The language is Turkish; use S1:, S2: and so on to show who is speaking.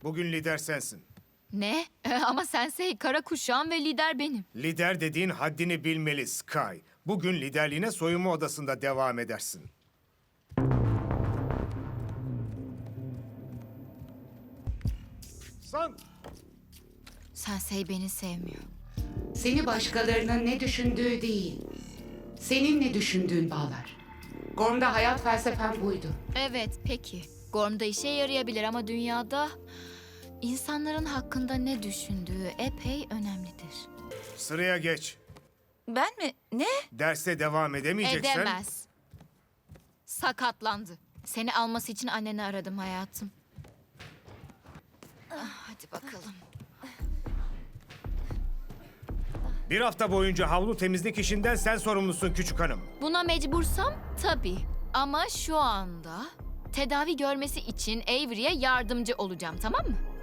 S1: Bugün lider sensin.
S2: Ne? Ama Sensei kara kuşağım ve lider benim.
S1: Lider dediğin haddini bilmeli Sky. Bugün liderliğine soyunma odasında devam edersin. San!
S2: Sensei beni sevmiyor.
S3: Seni başkalarının ne düşündüğü değil, senin ne düşündüğün bağlar. Gorm'da hayat felsefem buydu.
S2: Evet, peki. Gorm'da işe yarayabilir ama dünyada insanların hakkında ne düşündüğü epey önemlidir.
S1: Sıraya geç.
S4: Ben mi? Ne?
S1: Derse devam edemeyeceksen...
S2: Edemez. Sakatlandı. Seni alması için anneni aradım hayatım. Hadi bakalım.
S1: Bir hafta boyunca havlu temizlik işinden sen sorumlusun küçük hanım.
S2: Buna mecbursam tabii. Ama şu anda tedavi görmesi için Avery'e yardımcı olacağım, tamam mı?